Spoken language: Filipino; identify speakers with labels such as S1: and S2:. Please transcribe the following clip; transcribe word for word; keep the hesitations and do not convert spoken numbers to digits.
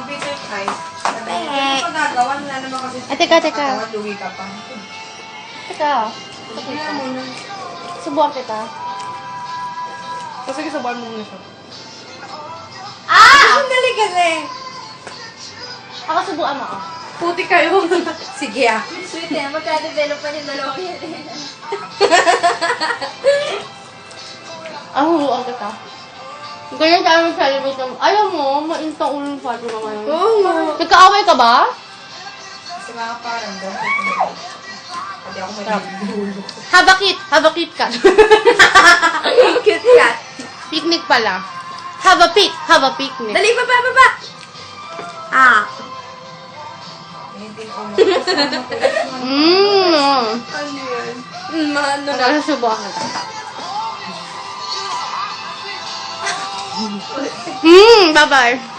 S1: Peter Kai. Ano pa gagawa? Wala naman kasi.
S2: Eh, teka, teka.
S1: Lugi ka pa.
S2: Teka.
S1: Kaya mo na.
S2: Subukan kita.
S1: O sige, sabahan mo muna siya.
S2: Ah!
S1: Ang galing-galing.
S2: Ako subukan mo ako.
S1: Puti kayo. Sige ah.
S3: Sweet eh, magka-develop pa yung dalawa yan eh.
S2: Ako subukan kita. Ganyan tayo mag-celebrate ng... Ayaw mo, mainit ang ulo ng Fatima ngayon.
S1: Oo.
S2: Nagkaaway ka ba?
S1: Kasi mga parang doon. Hindi ako mag-iulo.
S2: Habakit! Habakit ka.
S3: Cute cat.
S2: Picnic pala. Have a pic! Have a picnic.
S3: Dali, baba, baba! Ah.
S1: Hindi ko makasama ko.
S2: Mmm!
S1: Ano yan?
S3: Mm, ano na.
S2: Ano subukan kita? Mmm! Bye-bye!